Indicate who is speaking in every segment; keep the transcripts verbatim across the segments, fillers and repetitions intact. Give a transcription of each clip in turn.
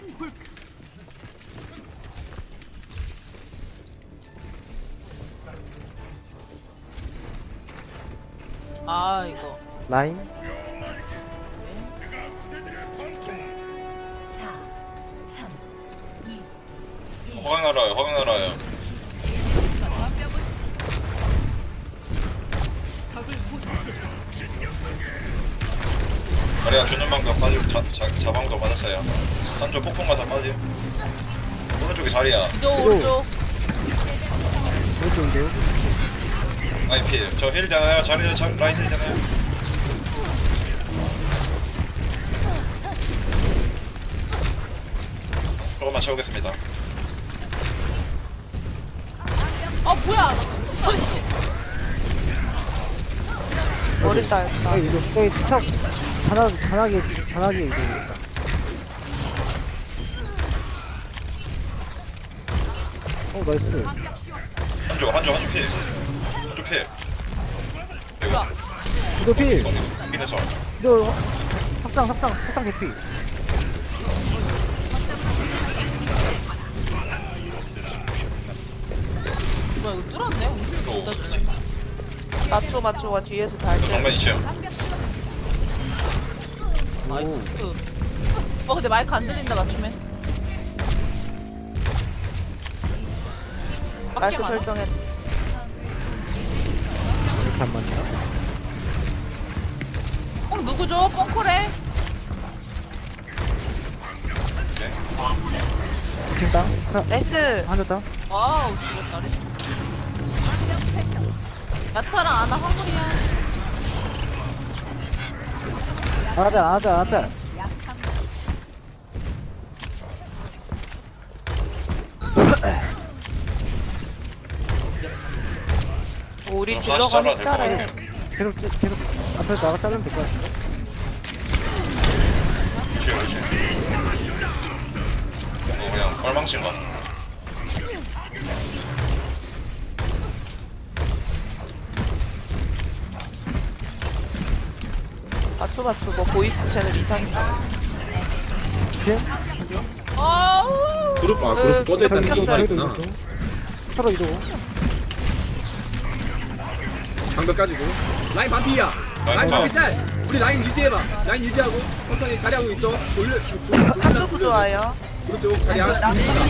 Speaker 1: 아 이거
Speaker 2: 라인
Speaker 3: 화강 날아요. 화강 날아요. 자리야 주는 방법 빠지고 자, 자, 자방도 맞았어요. 한쪽 폭풍가 다 빠짐. 오른쪽이 자리야.
Speaker 1: 위도 오른쪽.
Speaker 2: 오른쪽인데요?
Speaker 3: 아니 필. 저 힐잖아요. 자리 자, 라인 힐잖아요. 조금만 채우겠습니다.
Speaker 1: 아 뭐야?
Speaker 4: 아씨. 머리 따였다.
Speaker 2: 아 이거 저기 척 단하 단하게 단하게 이거 어 나이스
Speaker 3: 한쪽 한쪽 한쪽 필. 한쪽 필.
Speaker 1: 뭐야?
Speaker 2: 이거 필
Speaker 3: 여기에서
Speaker 2: 이거 합상 합상 합상 개피
Speaker 1: 뭐야 이거 뚫었네?
Speaker 3: 또
Speaker 4: 맞춰 맞춰가 뒤에서 잘 때.
Speaker 3: 정면 이치요.
Speaker 1: 나이스. 어 근데 마이크 안 들린다 맞추면.
Speaker 4: 마이크 설정해.
Speaker 2: 이렇게 안 맞나?
Speaker 1: 어 누구죠? 뻥코래.
Speaker 2: 지금 땅?
Speaker 4: 나이스.
Speaker 2: 한대 땅?
Speaker 1: 와우 죽었다. 야타랑 아나 화물이야.
Speaker 2: 안하자 안하자 안하자
Speaker 4: 우리
Speaker 3: 어,
Speaker 4: 딜러가
Speaker 3: 다시 잘라야
Speaker 4: 핵잘해.
Speaker 2: 계속 찌- 계속 앞에 나가 자르면 될 것 같은데?
Speaker 3: 이치요 이치. 어 그냥 뻘망친가.
Speaker 4: 맞춰 맞춰. 뭐 보이스 채널 이상이다.
Speaker 2: 지금?
Speaker 1: 아우.
Speaker 5: 그룹 아
Speaker 4: 으,
Speaker 5: 그룹 꺼져 있다는
Speaker 4: 켰어요.
Speaker 5: 거
Speaker 2: 이동
Speaker 5: 있구나.
Speaker 2: 이동 서로 이동
Speaker 5: 방벽까지도 라인 반피야.
Speaker 3: 라인
Speaker 5: 라인
Speaker 3: 반.
Speaker 5: 반피 짤. 우리 라인 유지해봐. 라인 유지하고 천천히 자리하고 있어. 돌려.
Speaker 4: 한쪽 부좋아요.
Speaker 5: 오른쪽 자리야.
Speaker 4: 나나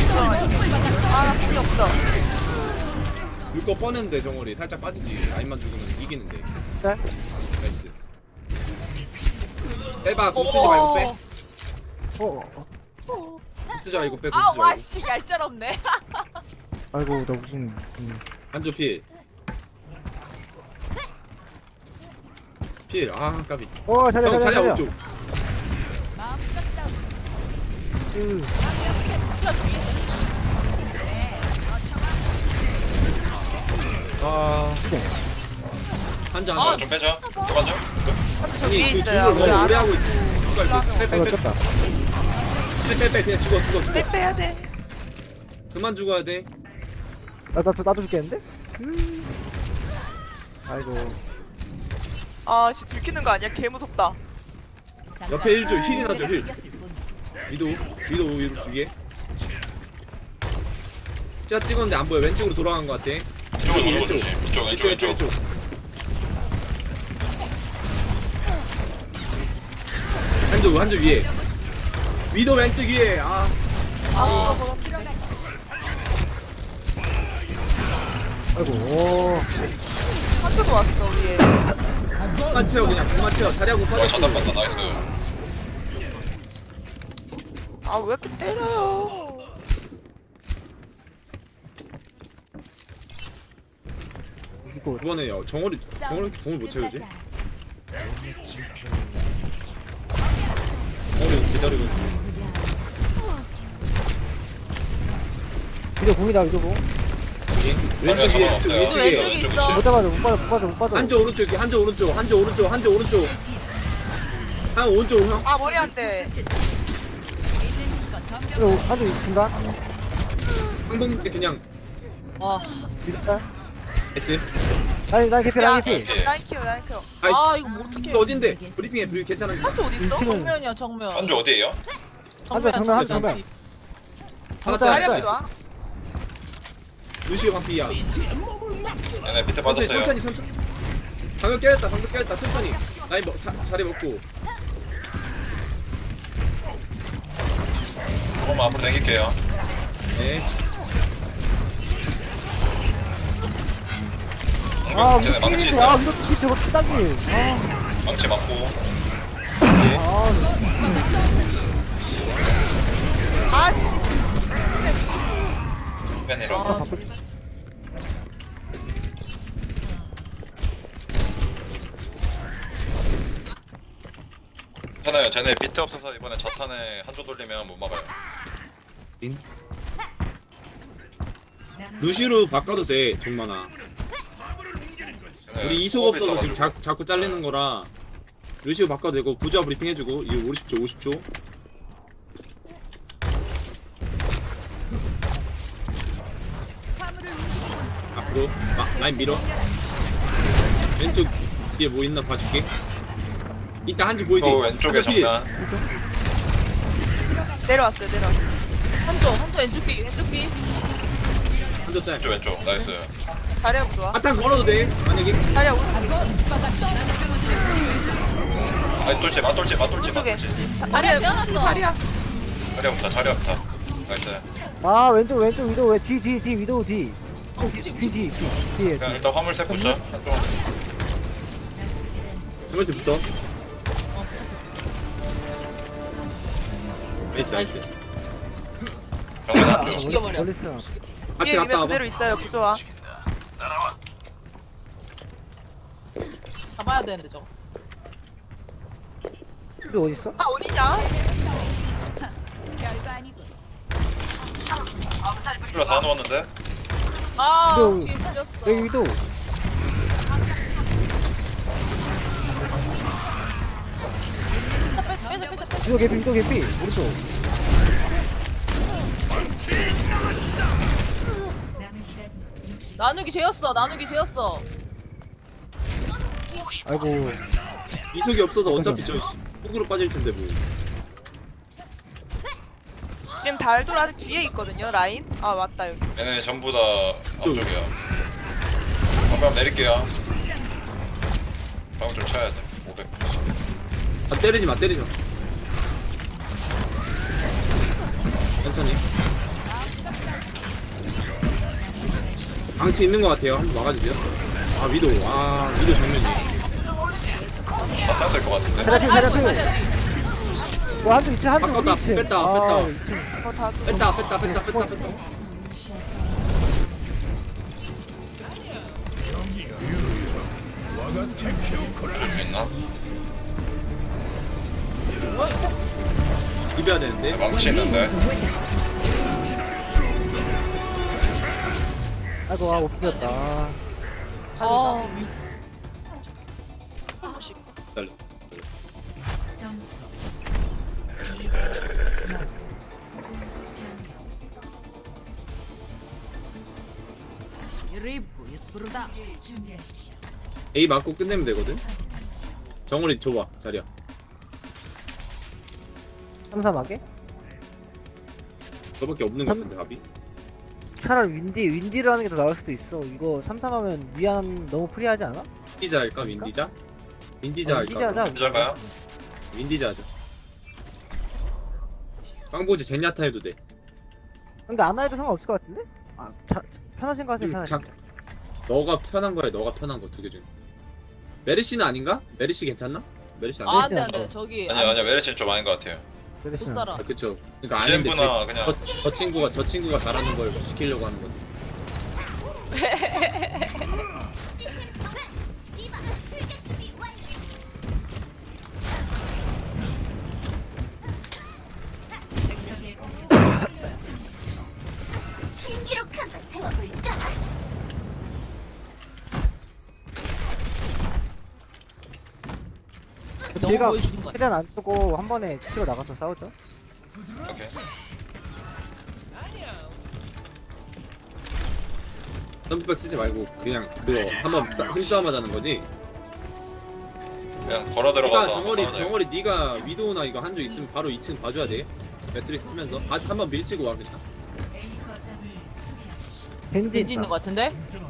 Speaker 4: 궁이 없어.
Speaker 5: 물거 뻔했는데 정월이 살짝 빠지지. 라인만 죽으면 이기는데.
Speaker 2: 짤?
Speaker 5: 나이스. 빼봐. 궁 쓰지 말고 빼.
Speaker 2: 어, 어
Speaker 5: 궁 쓰지 말고 빼. 궁 쓰지
Speaker 1: 아우
Speaker 5: 말고.
Speaker 1: 와씨 얄짤없네.
Speaker 2: 아이고 나 무슨 음.
Speaker 5: 한조 필. 필. 아 까비.
Speaker 2: 어 자리야
Speaker 5: 형
Speaker 2: 자리야
Speaker 5: 자리야
Speaker 2: 자리야
Speaker 5: 오른쪽.
Speaker 2: 으,
Speaker 5: 아. 한자
Speaker 1: 아,
Speaker 5: 한자.
Speaker 3: 좀 빼자. 들어가죠.
Speaker 4: 한쪽 저
Speaker 5: 아니
Speaker 4: 위에
Speaker 5: 그
Speaker 4: 있어요.
Speaker 5: 죽을
Speaker 4: 우리
Speaker 5: 너무 오래
Speaker 4: 아나
Speaker 5: 하고 있어.
Speaker 2: 아이고
Speaker 5: 빼빼빼.
Speaker 2: 쳤다
Speaker 5: 빼빼빼 그냥 죽어 죽어 죽어.
Speaker 4: 빼 빼야 돼.
Speaker 5: 그만 죽어야 돼.
Speaker 2: 나, 나도 나도 죽겠는데? 음. 아이고
Speaker 4: 아씨 들키는 거 아니야? 개 무섭다.
Speaker 5: 옆에 일 줘. 힐이나 줘 힐. 위도 위도 위도 두 개. 짜 찍었는데 안 보여. 왼쪽으로 돌아간 것 같아.
Speaker 3: 이쪽으로 돌고
Speaker 5: 왼쪽.
Speaker 3: 조심. 이쪽 왼쪽
Speaker 5: 왼쪽
Speaker 3: 왼쪽.
Speaker 5: 왼쪽. 한쪽 한쪽 위에. 위도 왼쪽 위에. 아.
Speaker 4: 아 무서워.
Speaker 2: 아이고 오
Speaker 4: 한쪽도 왔어 위에.
Speaker 5: 그만 채워 그냥 그만 채워. 자리하고
Speaker 3: 와
Speaker 5: 빠져.
Speaker 3: 차단 봤다. 나이스.
Speaker 4: 아 왜 이렇게 때려요?
Speaker 2: 이거
Speaker 5: 이번에 요 정월이 정월이 이렇게 공을 못 채우지? 정월이 기다리고 있어.
Speaker 2: 이거 공이다 이거 공
Speaker 5: 왼쪽 위에 왼쪽
Speaker 3: 왼쪽
Speaker 5: 위에.
Speaker 1: 왼쪽이 있어.
Speaker 2: 못 잡아줘 못 빠져 못 빠져 못 빠져
Speaker 5: 한쪽 오른쪽 한쪽 오른쪽 한쪽 오른쪽 한쪽 오른쪽 한 오른쪽 형.
Speaker 4: 아 머리 안 돼.
Speaker 2: 이거 아주 중간
Speaker 5: 항복님께 그냥
Speaker 1: 와.
Speaker 2: 밀었다
Speaker 5: S.
Speaker 2: 라인 라인 개피 라인 개피
Speaker 3: 오케이.
Speaker 4: 라인 키워 라인 키워.
Speaker 5: 아이씨
Speaker 1: 아 이거 뭐 어떡해.
Speaker 5: 이거 어딘데? 브리핑해 브리핑 괜찮은데?
Speaker 4: 한쪽 어디 있어?
Speaker 2: 지금
Speaker 1: 정면이야 정면.
Speaker 3: 한조 어디에요?
Speaker 2: 한대 정면 한
Speaker 1: 정면.
Speaker 2: 정면.
Speaker 5: 하나
Speaker 4: 자리야
Speaker 5: 짤
Speaker 4: 부좋아.
Speaker 5: 루시오 반피야
Speaker 3: 얘네 밑에
Speaker 5: 천천히
Speaker 3: 빠졌어요.
Speaker 5: 천천히 천천히 방금 깨졌다 방금 깨졌다 천천히 라인 먹, 자, 자리 먹고
Speaker 3: 조금만 앞으로 당길게요.
Speaker 5: 네
Speaker 2: 아
Speaker 3: 쟤네 망치
Speaker 2: 위도 아
Speaker 3: 있다.
Speaker 2: 위도 키 저거 키다기. 아.
Speaker 3: 망치 맞고.
Speaker 5: 네.
Speaker 2: 아.
Speaker 4: 아씨.
Speaker 3: 팬이라.
Speaker 2: 아 바꿀.
Speaker 3: 괜찮아요. 쟤네 비트 없어서 이번에 자탄에 한조 돌리면 못 막아요.
Speaker 5: 루시로 바꿔도 돼 종만아
Speaker 3: 쟤네
Speaker 5: 우리 이속
Speaker 3: 수업이
Speaker 5: 없어서 지금
Speaker 3: 있어가지고.
Speaker 5: 자, 자꾸 잘리는 거라 루시오 바꿔도 되고 부조화 브리핑 해주고 이거 오십 초 오십 초 앞으로 마, 라인 밀어 왼쪽 뒤에 뭐 있나 봐줄게 이따 한지 보이지?
Speaker 3: 또 왼쪽에
Speaker 5: 한쪽 필.
Speaker 3: 정면.
Speaker 4: 내려왔어요 내려왔어요.
Speaker 1: 한쪽 한쪽 왼쪽 뒤 왼쪽 뒤.
Speaker 5: 한쪽 짤
Speaker 3: 왼쪽 왼쪽. 나이스.
Speaker 4: 자리야 부좋아.
Speaker 5: 아탄 걸어도 돼 만약에
Speaker 4: 자리야 오른쪽에.
Speaker 3: 맞돌지 맞돌지 맞돌지
Speaker 4: 오른쪽에.
Speaker 3: 맞돌지.
Speaker 1: 자리야 떼어놨어.
Speaker 4: 자리야.
Speaker 3: 자리 없다 자리 없다. 나이스.
Speaker 2: 아 왼쪽 왼쪽 위도 왜뒤뒤뒤 위도 뒤.
Speaker 1: 어, 그치, 그치.
Speaker 2: 뒤뒤 뒤. 뒤에.
Speaker 3: 그냥 일단 화물 셋 붙자. 한쪽.
Speaker 5: 한번씩 붙어
Speaker 1: 어,
Speaker 5: 나이스 나이스
Speaker 3: 정면
Speaker 1: 아,
Speaker 3: 한쪽.
Speaker 1: 죽여버려.
Speaker 2: 멀리 있어.
Speaker 5: 앞에
Speaker 4: 위에
Speaker 5: 갔다
Speaker 4: 위에
Speaker 5: 와봐
Speaker 4: 그대로 있어요 부좋아.
Speaker 1: 잡아야 되는데 저거.
Speaker 2: 위도 어디 있어?
Speaker 4: 아 어디냐?
Speaker 3: 풀러 다 넣었는데.
Speaker 1: 아
Speaker 2: 위도
Speaker 1: 뒤에 살렸어.
Speaker 2: 여기 위도.
Speaker 1: 빼자 빼자 빼자 빼자.
Speaker 2: 위도 개피 위도 개피 오른쪽.
Speaker 1: 나누기 죄였어 나누기 죄였어.
Speaker 2: 아이고.
Speaker 5: 이속이 없어서 어차피 저 훅으로 빠질 텐데 뭐
Speaker 4: 지금 달돌 아직 뒤에 있거든요 라인. 아 맞다 여기.
Speaker 3: 얘네 전부 다 앞쪽이야. 한번 내릴게요. 방금 좀 쳐야 돼. 오백.
Speaker 5: 아 때리지 마 때리지 마 천천히 방치 있는 것 같아요 한번 막아주세요 아 위도 아 위도 정면이
Speaker 3: 다 땄을 것 같은데.
Speaker 2: 자리 자리 자리. 뭐 한쪽 있지 한쪽
Speaker 5: 바꿨다,
Speaker 2: 우리 있지.
Speaker 5: 뺐다,
Speaker 2: 아,
Speaker 5: 뺐다.
Speaker 2: 이 층.
Speaker 4: 그거 다 줘.
Speaker 5: 뺐다 뺐다 뺐다 뺐다 뺐다
Speaker 3: 줄수 있나?
Speaker 5: 비벼야 되는데
Speaker 3: 망치 있는데.
Speaker 2: 아이고 아 못 비웠다.
Speaker 1: 아.
Speaker 5: 기다려
Speaker 6: 점수 준비하십시오.
Speaker 5: A 맞고 끝내면 되거든 정우리 줘봐 자리야
Speaker 2: 삼삼하게?
Speaker 5: 저밖에 없는 것 같은데 답이
Speaker 2: 차라리 윈디 윈디를 하는 게 더 나을 수도 있어. 이거 삼삼하면 위안 너무 프리하지 않아?
Speaker 5: 윈디자 할까 윈디자? 윈디자
Speaker 2: 어,
Speaker 5: 할까
Speaker 2: 윈디자 하자.
Speaker 3: 혼자가요?
Speaker 5: 윈디자 하자 빵보지 젠야타 해도 돼
Speaker 2: 근데 안 해도 상관없을 것 같은데? 아 자, 편하신 거 하세요
Speaker 5: 음,
Speaker 2: 편하신
Speaker 5: 자-
Speaker 2: 거.
Speaker 5: 너가 편한 거야 너가 편한 거 두 개 중에 메르시는 아닌가? 메르시 괜찮나? 메르시 안
Speaker 1: 아
Speaker 5: 돼?
Speaker 1: 안돼 안돼 저기.
Speaker 3: 아니요 아니요 메르시는 좀 아닌 것 같아요.
Speaker 1: 못
Speaker 2: 그랬으면.
Speaker 1: 살아.
Speaker 5: 아, 그쵸 그니까 아닌데
Speaker 3: 이젠부나
Speaker 5: 제-
Speaker 3: 그냥-
Speaker 5: 저, 저 친구가 저 친구가 잘하는 걸 시키려고 하는 거지
Speaker 6: 적의 신기록 한번 세워볼까?
Speaker 1: 너무
Speaker 2: 제가
Speaker 1: 보여주는 거야.
Speaker 2: 최대한 안 쓰고 한 번에 치러 나가서 싸우죠.
Speaker 3: 오케이.
Speaker 5: 점프백 쓰지 말고 그냥 그거 한번 싸- 힘싸움 하자는 거지
Speaker 3: 그냥 걸어
Speaker 5: 그러니까
Speaker 3: 들어가서
Speaker 5: 정월이
Speaker 3: 싸우자.
Speaker 5: 정월이 네가 위도우나 이거 한조 있으면 바로 이 층 봐줘야 돼 매트릭스 쓰면서 아 한번 밀치고 와 그냥.
Speaker 6: A 거점을 수비하십시오.
Speaker 2: 겐지
Speaker 1: 겐지 있는 거 같은데?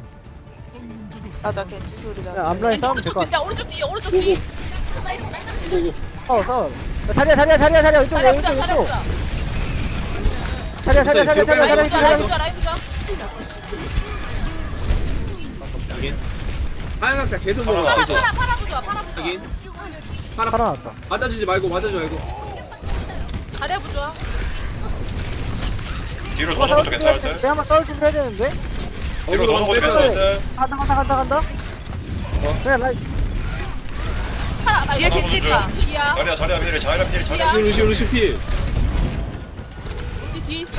Speaker 4: 맞아 겐지 소리
Speaker 2: 야,
Speaker 4: 나.
Speaker 2: 앞라인 싸우면
Speaker 1: 오른쪽
Speaker 2: 될것
Speaker 1: 뒤야 오른쪽 뒤 오른쪽
Speaker 5: 고고
Speaker 1: 뒤.
Speaker 5: 고고.
Speaker 2: 싸워 싸워 야, 자리야 자리야 자리야 자리야 이쪽
Speaker 1: 자리야
Speaker 2: 이쪽
Speaker 1: 보자 자리야
Speaker 2: 이쪽
Speaker 1: 보자.
Speaker 2: 자리야 자리야 자리야 자리야
Speaker 1: 라인
Speaker 2: 자리야
Speaker 1: 보자 라인
Speaker 2: 이쪽
Speaker 1: 보자 라인 보자.
Speaker 5: 여긴. 하얀각자 계속
Speaker 3: 파라,
Speaker 5: 먹어.
Speaker 1: 파라
Speaker 5: 계속.
Speaker 1: 파라 파라 보자 파라 보자.
Speaker 5: 여긴. 파라
Speaker 2: 팔아 났다
Speaker 5: 맞아주지 말고 맞아주지 말고.
Speaker 1: 자리야 보자.
Speaker 3: 뒤로 도는 것도 괜찮을 듯.
Speaker 2: 내가 한번 싸울 준비 해야 되는데
Speaker 3: 뒤로 도는 것도 괜찮을 듯.
Speaker 2: 간다 간다 간다 간다 그래 라인
Speaker 1: 파라
Speaker 4: 뒤에
Speaker 1: 아이고,
Speaker 4: 겐지 있다.
Speaker 1: 뒤야.
Speaker 3: 자리야 자리야 필 자리야 필 자리야 필.
Speaker 5: 루시 루시 필.
Speaker 1: 겐지 뒤에 있어.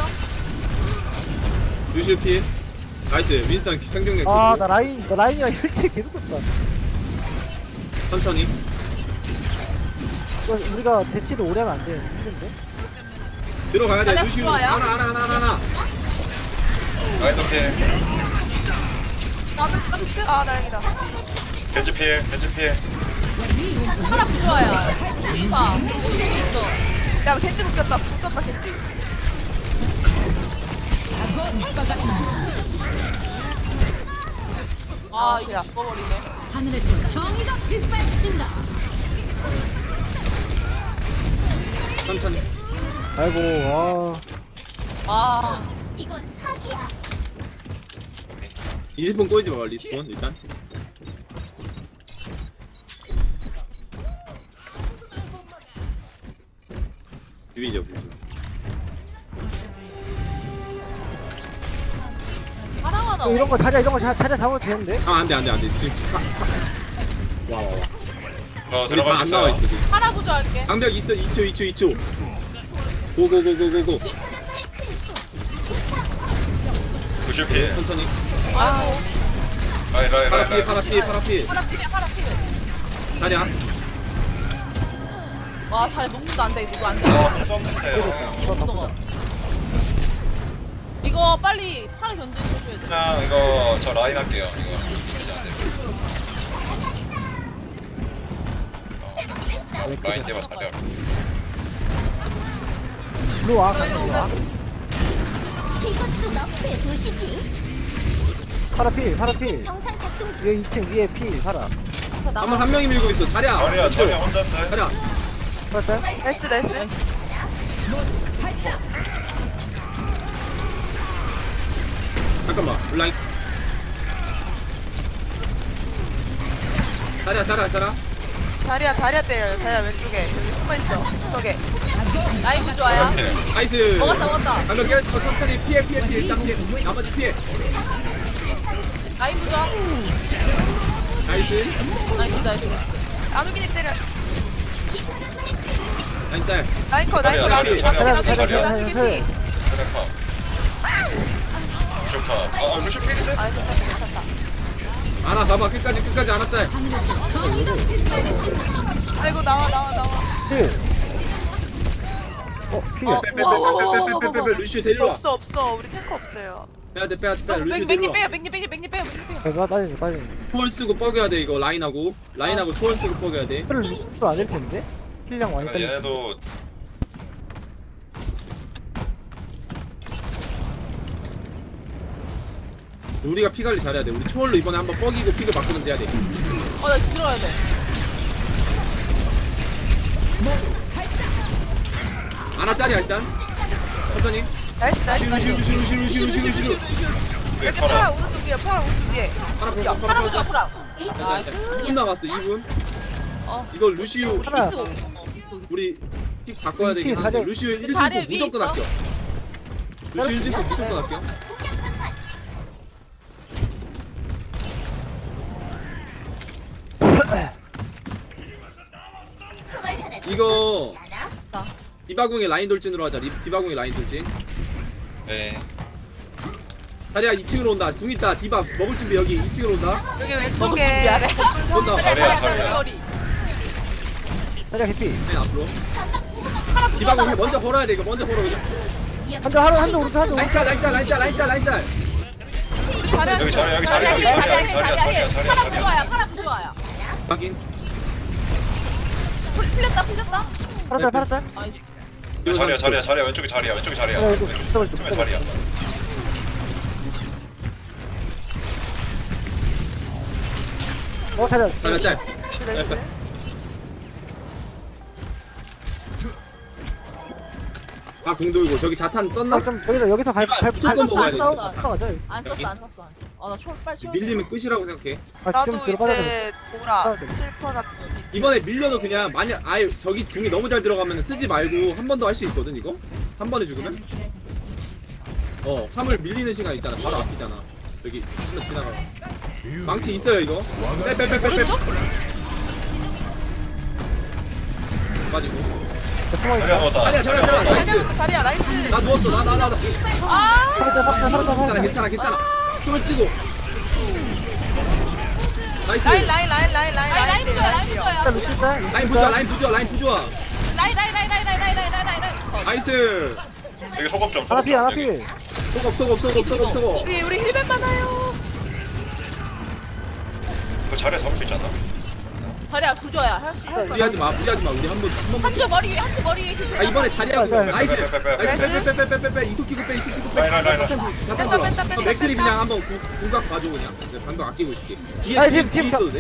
Speaker 5: 루시 필. 나이스 윈스턴 생존력.
Speaker 2: 아나 라인 나 라인이랑 이렇게 계속 떴다
Speaker 5: 천천히.
Speaker 2: 이거 우리가 대치를 오래 하면 안돼 힘든데
Speaker 5: 들어가야 돼.
Speaker 1: 자리야
Speaker 5: 루시
Speaker 1: 좋아요.
Speaker 5: 하나 하나 하나 하나 하나.
Speaker 3: 라인도 필.
Speaker 4: 나는 깜짝. 아 다행이다.
Speaker 3: 겐지 필 겐지 필.
Speaker 1: 파라 부조아야. 봐. 겐지 있어.
Speaker 4: 야 겐지 묶였다. 묶었다 겐지.
Speaker 1: 아
Speaker 4: 아,
Speaker 1: 이거
Speaker 4: 야.
Speaker 1: 죽어버리네.
Speaker 6: 하늘에서 정의가 빛발친다.
Speaker 5: 천천히.
Speaker 2: 아이고 와
Speaker 1: 아
Speaker 6: 이건 사기야.
Speaker 5: 리스폰 꼬이지 마 리스폰 일단. 비비죠 비비죠.
Speaker 1: 사랑하나.
Speaker 2: 어, 이런 거 자리야 이런 거 자, 자리야 잡으면 되는데
Speaker 5: 아 안돼 안돼 안돼 지금. 와와와.
Speaker 3: 어
Speaker 5: 우리
Speaker 3: 들어갈
Speaker 5: 다안
Speaker 3: 수
Speaker 5: 나와
Speaker 3: 있어요.
Speaker 5: 있어 지금.
Speaker 1: 파라 부조할게.
Speaker 5: 방벽 있어 이 초 이 초 이 초. 고고고고고고.
Speaker 3: 구십 필.
Speaker 5: 천천히.
Speaker 1: 아이고.
Speaker 3: 라인 라인
Speaker 5: 파라
Speaker 3: 라인
Speaker 5: 필
Speaker 3: 라인.
Speaker 5: 파라 필 파라 필.
Speaker 1: 파라 필이야 파라 필.
Speaker 5: 자리야.
Speaker 1: 와 잘 녹는다 안돼 이거 안돼.
Speaker 3: 어 썼는데요.
Speaker 1: 못 녹아. 이거 빨리 파라 견제 해줘야 돼.
Speaker 3: 그냥 이거 저 라인 할게요. 이거 그러지 안 돼요. 어, 라인 대박 자리야.
Speaker 2: 들어와 같이 들어와
Speaker 6: 이것도 너프의 도시지.
Speaker 2: 파라 필 파라 필
Speaker 6: 정상 작동 중.
Speaker 2: 위에 이 층 위에 필 파라
Speaker 5: 한번 한 명이 밀고 있어. 자리야.
Speaker 3: 자리야 자리야 혼자인데.
Speaker 5: 자리야.
Speaker 2: 파라
Speaker 4: 나이스 나이스.
Speaker 5: 잠깐만. 라인. 자리야 자리야 자리야.
Speaker 4: 자리야 자리야 때려요. 자리야 왼쪽에 여기 숨어 있어. 구석에.
Speaker 1: 라인 부조아야.
Speaker 3: 필.
Speaker 5: 나이스.
Speaker 1: 먹었다 먹었다.
Speaker 5: 방금 깨 천천히 피해 피해 피해 일단 피해. 나머지 피해.
Speaker 1: 라인 부조아.
Speaker 5: 나이스.
Speaker 1: 나이스 나이스.
Speaker 4: 안우기님 때려.
Speaker 5: 라인 짤.
Speaker 4: 라인커 라인커
Speaker 3: 자리야,
Speaker 4: 나누기
Speaker 3: 자리야,
Speaker 4: 나누기
Speaker 3: 자리야,
Speaker 4: 나누기
Speaker 2: 자리야.
Speaker 4: 피.
Speaker 3: 트래커. 루슈카. 아 루슈 필인데?
Speaker 4: 아 괜찮다 괜찮다.
Speaker 5: 안아 봐봐 끝까지 끝까지 안아 짤.
Speaker 6: 하늘에서 정의가 빛발친다.
Speaker 4: 아이고 나와 나와 나와.
Speaker 2: 필어필
Speaker 1: 어.
Speaker 5: 빼빼빼빼빼빼빼빼 루시 데리러 와.
Speaker 4: 없어 없어. 우리 탱커 없어요.
Speaker 5: 빼야 돼 빼야 돼 빼야 돼. 루시
Speaker 1: 백님 백님
Speaker 5: 데리러
Speaker 1: 빼요
Speaker 5: 와.
Speaker 1: 백님 백님 백님 빼요 백님 빼요.
Speaker 2: 내가 따지는 따지는
Speaker 5: 초월 쓰고 뻐겨야 돼 이거 라인하고 라인하고 초월 쓰고 뻐겨야 돼.
Speaker 2: 필을 루트도 안될 텐데 필량 많이
Speaker 3: 그러니까
Speaker 2: 딸리
Speaker 3: 얘네도
Speaker 5: 우리가 피 관리 잘해야 돼. 우리 초월로 이번에 한번 뻐기고 피그 바꾸는 해야 돼.
Speaker 1: 어나 들어야 돼.
Speaker 5: 안아 짤이야 일단. 천천히.
Speaker 4: 나이스 나이스
Speaker 5: 루시
Speaker 4: 나이스.
Speaker 5: 루시 루시 루시 루시 루시 루시.
Speaker 3: 왜
Speaker 4: 여기
Speaker 3: 팔아?
Speaker 4: 파라 오른쪽 위에 파라 오른쪽 위에.
Speaker 5: 파라
Speaker 4: 야,
Speaker 5: 파라
Speaker 1: 파라
Speaker 5: 파라
Speaker 1: 부조아
Speaker 5: 파라.
Speaker 1: 파라. 나이스.
Speaker 5: 이 분 남았어 이 분.
Speaker 1: 어.
Speaker 5: 이거 루시우
Speaker 2: 하나
Speaker 1: 비트. 어, 비트.
Speaker 5: 우리 픽 바꿔야 되긴
Speaker 2: 위치
Speaker 5: 한데
Speaker 2: 자리에-
Speaker 5: 루시우 일
Speaker 1: 자리에
Speaker 5: 진
Speaker 1: 위에
Speaker 5: 무조건
Speaker 1: 있어?
Speaker 5: 아껴. 루시우 일 진 무조건 아껴. 이거 디바궁의 라인 돌진으로 하자. 리- 디바궁의 라인 돌진.
Speaker 3: 네.
Speaker 5: 자리야 이 층으로 온다. 궁 있다. 디바 먹을 준비 여기 이 층으로 온다.
Speaker 4: 여기 왼쪽에
Speaker 1: 미안해.
Speaker 5: 온다.
Speaker 3: 자리야 자리야.
Speaker 1: 머리.
Speaker 2: 자리야 개피
Speaker 5: 네 앞으로.
Speaker 1: 파라
Speaker 5: 디바궁
Speaker 1: 부조아.
Speaker 5: 먼저 걸어야 돼. 이거 먼저 걸어 그냥.
Speaker 2: 한대 하루 한대 오른쪽 한대
Speaker 5: 라인
Speaker 2: 오른쪽
Speaker 5: 짤 라인 짤 라인 짤 라인 짤 라인 짤.
Speaker 4: 자리야
Speaker 3: 여기 자리야 여기 자리야
Speaker 1: 자리야
Speaker 3: 여기
Speaker 1: 자리야
Speaker 3: 자리야
Speaker 1: 자리야
Speaker 3: 자리야
Speaker 1: 자리야.
Speaker 3: 자리야
Speaker 1: 파라
Speaker 3: 자리야.
Speaker 1: 부조아야 파라 부조아야.
Speaker 5: 확인.
Speaker 1: 풀- 풀렸다 풀렸다.
Speaker 2: 파라짤 파라짤
Speaker 1: 나이스.
Speaker 3: 이거 자리야 자리야 자리야 왼쪽에 자리야 왼쪽에 자리야
Speaker 2: 야, 이거
Speaker 3: 왼쪽에
Speaker 2: 붙어버려,
Speaker 3: 왼쪽에
Speaker 2: 붙어버려.
Speaker 3: 자리야.
Speaker 2: 어 자리야.
Speaker 5: 자리야 짤.
Speaker 4: 나이스.
Speaker 5: 아 공돌고 저기 자탄 떴나?
Speaker 2: 아, 좀 여기서 여기서 갈 갈.
Speaker 5: 무조건
Speaker 1: 안
Speaker 5: 먹어야
Speaker 1: 썼어,
Speaker 5: 돼.
Speaker 1: 안
Speaker 2: 싸우
Speaker 1: 썼어.
Speaker 2: 싸우 가자.
Speaker 1: 안
Speaker 5: 여기?
Speaker 1: 썼어 안 썼어 안 썼어. 아나 초 빨리 초.
Speaker 5: 밀리면 끝이라고 생각해.
Speaker 2: 아
Speaker 4: 나도
Speaker 2: 좀 뒤로 빠져야 돼.
Speaker 4: 이제 보라
Speaker 2: 싸워야 돼.
Speaker 4: 칠퍼나
Speaker 5: 이번에 밀려도 그냥 만약 아예 저기 궁이 너무 잘 들어가면 쓰지 말고 한 번 더 할 수 있거든 이거? 한 번에 죽으면? 어 화물 밀리는 시간 있잖아 바로 앞이잖아 여기 한번 지나가 망치 있어요 이거 빼빼빼빼빼 빠지고
Speaker 3: 자리야 넣었다.
Speaker 5: 자리야 자리야 자리야 나이스
Speaker 4: 자리야 자리야 나이스.
Speaker 5: 나 누웠어 나 나 나나
Speaker 2: 살았다 살았다 살았다
Speaker 5: 괜찮아
Speaker 2: 살았다.
Speaker 5: 괜찮아 괜찮아 힘을 쓰고 나이스
Speaker 4: 라인 라인 라인 라인 라인
Speaker 1: 라인 라인 부조야 라인 부조야.
Speaker 2: 일단 루시자.
Speaker 5: 라인 부좋아 라인 부좋아 라인 부좋아
Speaker 1: 라인 라인 라인 라인 라인 라인 라인 라인 라인.
Speaker 5: 나이스
Speaker 3: 여기 소금 좀
Speaker 2: 하나
Speaker 3: 소금
Speaker 2: 피
Speaker 3: 좀
Speaker 2: 하나
Speaker 3: 여기.
Speaker 2: 피.
Speaker 5: 속업 속업 속업 속업 속업
Speaker 4: 우리 우리 힐맨 많아요.
Speaker 3: 그 자리에 잡을 수 있지 않나?
Speaker 1: 자리야 부조야. 할 수- 할 거야.
Speaker 5: 무리하지 마 무리하지 마 우리 한번 한번
Speaker 1: 한쪽 머리 위에 한쪽 머리 위에.
Speaker 5: 아 이번에 자리하고
Speaker 2: 자, 자,
Speaker 5: 나이스
Speaker 3: 빼, 빼, 빼, 빼.
Speaker 5: 나이스 빼빼빼빼빼빼 이속키고 빼 이속키고 빼
Speaker 3: 라인, 라인, 라인, 라인.
Speaker 5: 잠깐
Speaker 4: 뺀다,
Speaker 5: 들어
Speaker 4: 뺀다, 뺀다,
Speaker 5: 맥들이
Speaker 4: 뺀다.
Speaker 5: 그냥 한번 구- 궁각 봐줘 그냥 네, 방금 아끼고 있을게 뒤에
Speaker 2: 아니,
Speaker 5: 뒤에
Speaker 2: 지금,
Speaker 5: 뒤에
Speaker 2: 지금
Speaker 5: 있어도 돼?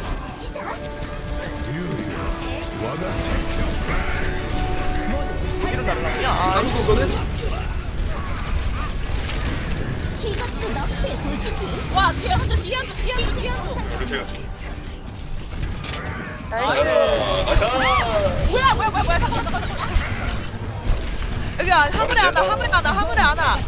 Speaker 4: 뒤로 날라오냐? 아
Speaker 5: 나무 거거든?
Speaker 6: 이것도 너프의 도시지.
Speaker 1: 와 뒤에 한쪽 뒤에 한쪽 뒤에 한쪽 뒤에 한쪽.
Speaker 3: 그렇지.
Speaker 4: 나이스.
Speaker 3: 나이스.
Speaker 1: 뭐야 뭐야 뭐야 뭐야 잠깐만 잠깐만 잠깐만.
Speaker 4: 여기 안 화물에 하나 화물에 하나 화물에 하나.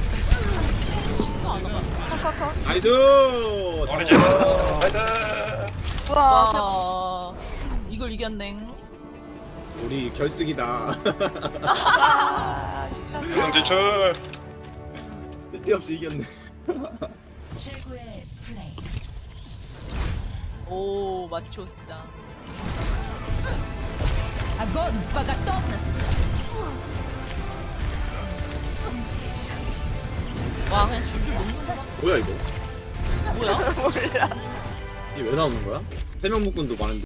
Speaker 1: 이거 안 와봐.
Speaker 4: 컷컷컷.
Speaker 5: 나이스
Speaker 3: 우리 집. 나이스.
Speaker 4: 와. 다-
Speaker 1: 와 이걸 이겼네.
Speaker 5: 우리 결승이다
Speaker 4: 아 신난다.
Speaker 3: 우승 진출.
Speaker 5: 뜬금없이 이겼네
Speaker 1: 오 마초 진짜. 와 그냥 줄줄 녹는다.
Speaker 5: 뭐야 이거
Speaker 1: 뭐야?
Speaker 4: 몰라.
Speaker 5: 이게 왜 나오는 거야? 세명 묶음도 많은데